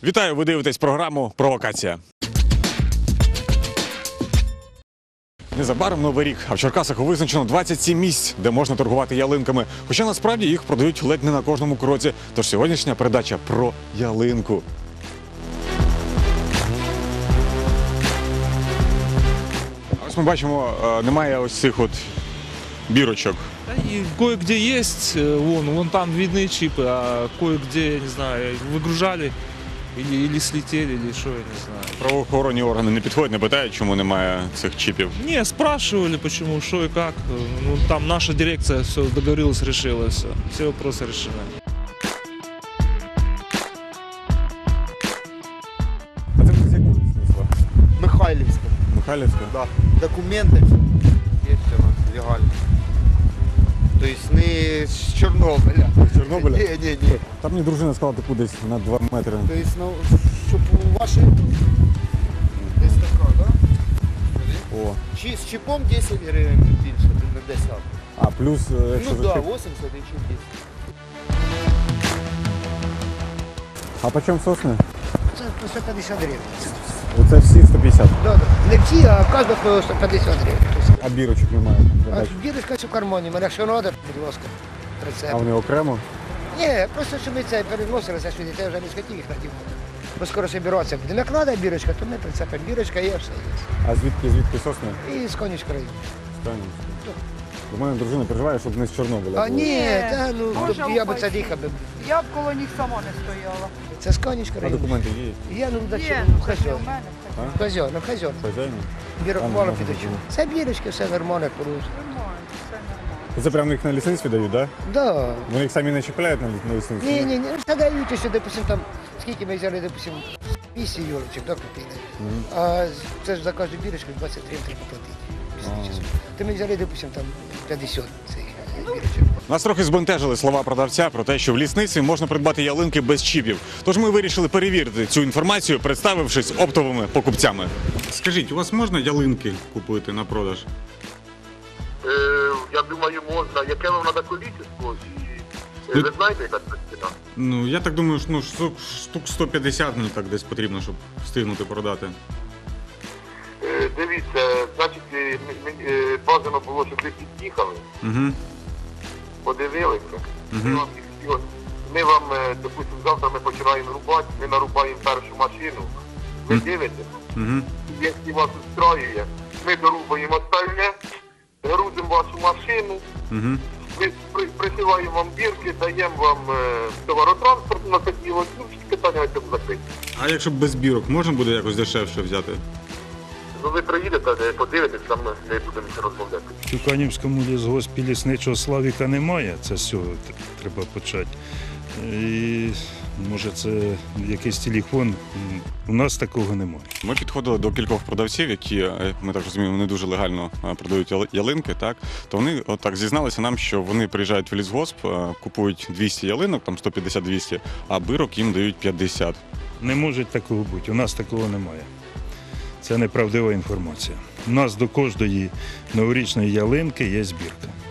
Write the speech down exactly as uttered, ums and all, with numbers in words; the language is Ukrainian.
Вітаю, ви дивитесь програму «Провокація». Незабаром Новий рік, а в Черкасах визначено двадцять сім місць, де можна торгувати ялинками. Хоча насправді їх продають ледь не на кожному кроці. Тож сьогоднішня передача про ялинку. Ось ми бачимо, немає ось цих от бірочок. И кое-где есть, вон, вон там видны чипы, а кое-где, я не знаю, выгружали или, или слетели, или что, я не знаю. Правоохоронні органи не підходять, не питають, чому немає цих чіпів? Не, спрашивали, почему, что и как. Ну, там наша дирекция все договорилась, решила все. Все вопросы решены. А це з якого смисла? Михайлівська. Михайлівська? Да. Документи є все у нас легально. Тобто не з Чорнобиля. З Чорнобиля? Ні, ні, ні. Там мені дружина сказала, таку десь на два метри. Тобто, ну, щоб у вашій десь така, да? О. Чи з чіпом десять гривень більше, не десять. А плюс, якщо Ну за так, чіп. да, вісімдесят і чіп десять. А по чому сосни? Це по сто п'ятдесят гривень. Оце всі сто п'ятдесят. Да, да. Не всі, а кожна по сто п'ятдесят гривень. А бірочок немає? А бірочка в кармані, мене що треба, будь ласка, прицеп. А вони окремо? Ні, просто щоб ми це переносилися сюди, я вже не схотів їх надівати. Бо скоро собиратися будемо. Як треба бірочка, то ми прицепимо. Бірочка є, все є. А звідки, звідки сосни? І з конячка району. У мене дружина переживає, щоб не з Чорнобиля. А було. ні, та, ну, Боже, то я би упаси. це дихав. би. Я б коло них сама не стояла. Це з конячка А району. документи є? Я, ну, до Є, чого, ну ну, це ж не хазьон. у мене. А? Хазьон, ну, хазьон. Хазяїн? Бірок А, ну, мало може, підучу. може. Це бірочки, все нормально, порушує. Нормально, все нормально. Це прямо їх на лісництві дають, так? Да? Да. Вони їх самі не чіпляють на на лісництві? Ні, ні, ні, це дають, що, допустим, там, скільки ми взяли, допустим, вісім юрочок, да, купили. А це ж за кожну бірочку двадцять три треба платити. після часу. То ми взяли, допустим, там п'ятдесят цих бірочок. Нас трохи збентежили слова продавця про те, що в лісниці можна придбати ялинки без чіпів. Тож ми вирішили перевірити цю інформацію, представившись оптовими покупцями. Скажіть, у вас можна ялинки купити на продаж? Е, я думаю, можна. Яке вам треба количество? І, е, ви знаєте, яка це ціна? Ну, я так думаю, що ну, штук, штук сто п'ятдесят мені так десь потрібно, щоб встигнути продати. Е, дивіться, значить, е, м- м- е, бажано було, щоб ви під'їхали, Угу. подивилися. Ми Мгм. вам, їх всього- ми вам, е, допустимо, завтра ми починаємо рубати, ми нарубаємо першу машину, ви Мгм. дивитесь, Угу. якщо вас устраює, ми дорубаємо остальне, грузимо вашу машину, Угу. ми при- присилаємо вам бірки, даємо вам е, товаротранспорт на такі от, ну, всі питання на цьому закриті. А якщо без бірок, можна буде якось дешевше взяти? Ну ви приїдете, е, подивитесь, там ми будемо ще розмовляти. В Тюканівському лісгоспі лісничого Славіка немає, це з цього т- треба почати. І може це якийсь телефон, М, у нас такого немає. Ми підходили до кількох продавців, які, е, ми так розуміємо, не дуже легально е, продають яли- ялинки, так? То вони отак зізналися нам, що вони приїжджають в лісгосп, е, купують двісті ялинок, там сто п'ятдесят - двісті, а бірок їм дають п'ятдесят. Не може такого бути, у нас такого немає. Це неправдива інформація. У нас до кожної новорічної ялинки є збірка.